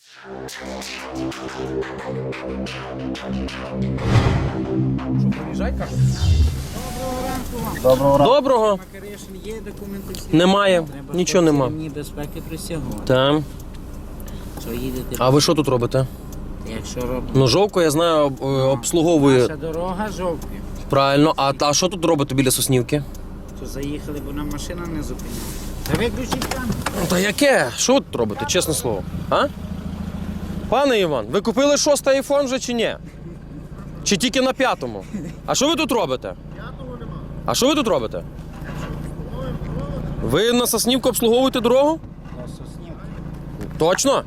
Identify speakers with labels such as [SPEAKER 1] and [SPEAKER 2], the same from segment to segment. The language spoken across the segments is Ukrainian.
[SPEAKER 1] Доброго ранку. Доброго.
[SPEAKER 2] Є документи всі?
[SPEAKER 1] Немає, нічого нема.
[SPEAKER 2] Ні безпеки присягу.
[SPEAKER 1] Так.
[SPEAKER 2] Що їдете?
[SPEAKER 1] А ви що тут робите?
[SPEAKER 2] Якщо робите?
[SPEAKER 1] Ну, Жовко, я знаю, обслуговує.
[SPEAKER 2] Наша дорога жовтня.
[SPEAKER 1] Правильно. А що тут робите біля Соснівки?
[SPEAKER 2] То заїхали, бо нам машина не зупиняла. Та виключіть камеру.
[SPEAKER 1] Та яке? Що ви тут робите, чесне слово? А? Пане Іван, ви купили 6-й айфон вже чи ні? Чи тільки на 5-му? А що ви тут робите? 5-го нема. А що ви тут робите? Ви на Соснівку обслуговуєте дорогу?
[SPEAKER 2] На Соснівку.
[SPEAKER 1] Точно?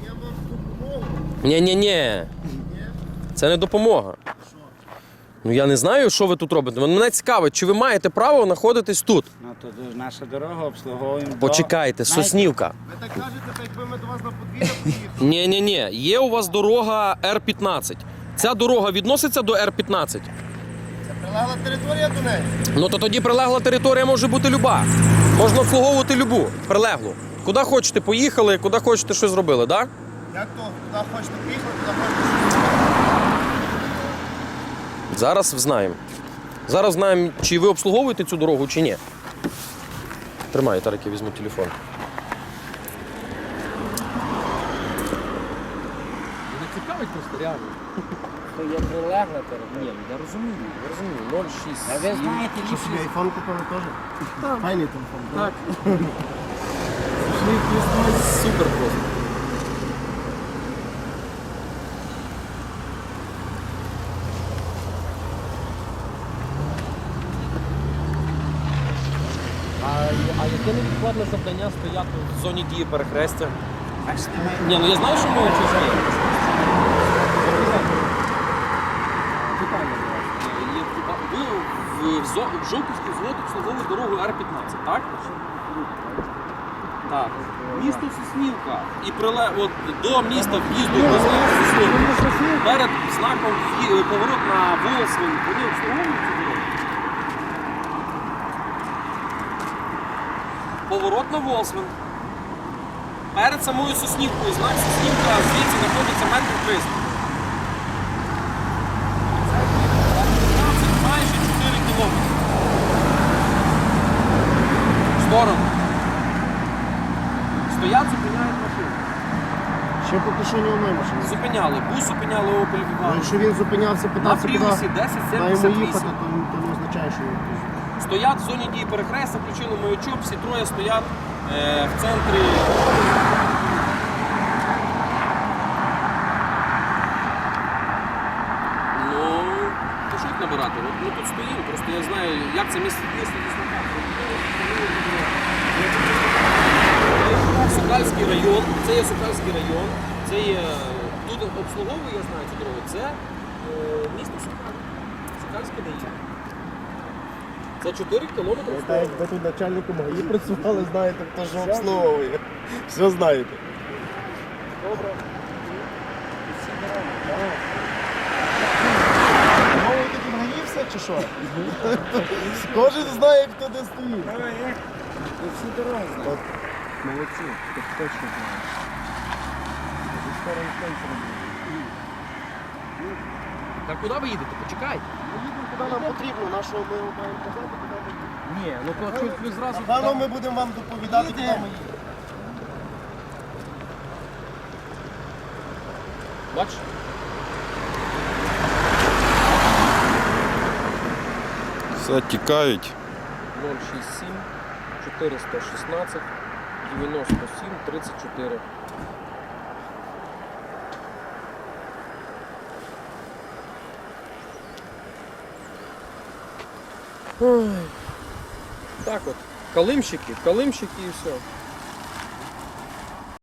[SPEAKER 1] Ні. Це не допомога. Ну я не знаю, що ви тут робите. Мене цікавить, чи ви маєте право знаходитись тут?
[SPEAKER 2] Ну то наша дорога обслуговуємо.
[SPEAKER 1] Почекайте, Соснівка.
[SPEAKER 3] Ви так кажете, так якби ми до вас на подвір'я приїхали.
[SPEAKER 1] Ні. Є у вас дорога Р-15. Ця дорога відноситься до Р-15?
[SPEAKER 3] Це прилегла територія до неї.
[SPEAKER 1] Ну то тоді прилегла територія може бути люба. Можна обслуговувати любу прилеглу. Куди хочете поїхали, куди хочете щось зробили, так? Да?
[SPEAKER 3] Як то, куди хочете приїхати, туди хочете.
[SPEAKER 1] Зараз знаємо. Зараз знаємо, чи ви обслуговуєте цю дорогу, чи ні. Тримай, Тарик, я візьму телефон.
[SPEAKER 4] Не цікавить просто реально.
[SPEAKER 2] То є прилегла територія.
[SPEAKER 4] Ні, я розумію. 0,6.
[SPEAKER 2] А ви знаєте,
[SPEAKER 3] Що собі
[SPEAKER 2] ліпше.
[SPEAKER 3] айфон купили теж? Файний телефон.
[SPEAKER 4] Так. Супер просто. А яке невідкладне завдання стояти
[SPEAKER 1] В зоні дії перехрестя.
[SPEAKER 2] Бачите, ми
[SPEAKER 1] Ні, ну я знаю, що ми чужі.
[SPEAKER 4] питання до вас. Ви в Жовківський взвод обслуговує дорогу Р-15, так? Так. Місто Соснівка. І от до міста в'їзду до Соснівки. Перед знаком поворот на Волосвин. Вони обслуговують цю дорогу? Поворот на Волосвин. Перед самою Соснівкою, знак Соснівка, звідси знаходиться метр 300. Це майже 4 кілометри. В сторону. Стоять, зупиняють машину.
[SPEAKER 3] Ще поки що ні одної машини.
[SPEAKER 4] Зупиняли. Бус зупиняли Opel
[SPEAKER 3] Ну,
[SPEAKER 4] Vivaro.
[SPEAKER 3] якщо він зупинявся,
[SPEAKER 4] На
[SPEAKER 3] питався, куди
[SPEAKER 4] Пріусі
[SPEAKER 3] йому їхати,
[SPEAKER 4] 1078.
[SPEAKER 3] то не означає, що він тут.
[SPEAKER 4] Стоять в зоні дії перехрестя, включили маячок, всі троє стоять в центрі. Ну, то що їх набирати? От ми тут стоїмо, просто я знаю, як це місце знака. Сокальський район, це є Сокальський район, це є, тут обслуговує, я знаю цю дорогу, це місто Сокаль, Сокальський район. Це 4 кілометри.
[SPEAKER 3] Так як ви тут начальником ГАІ працювали, знаєте, хто ж обслуговує. Все знаєте.
[SPEAKER 4] Добре.
[SPEAKER 3] Мовою тут ГАІ все чи що? Кожен знає, хто де стоїть.
[SPEAKER 2] ви всі дороги знаєте.
[SPEAKER 3] Молодці, ти точно знаєш.
[SPEAKER 4] Так куди ви їдете? Почекайте.
[SPEAKER 3] Ми їдемо, куди нам потрібно, нашого ми маємо казати, куди ми їдемо.
[SPEAKER 4] Ні, ну то чуть ви зразу.
[SPEAKER 3] Напевно, ми будемо вам доповідати, куди ми їдемо.
[SPEAKER 4] Бачиш?
[SPEAKER 5] Все, тікають.
[SPEAKER 4] 067 416 97 34. Так от, калимщики і все.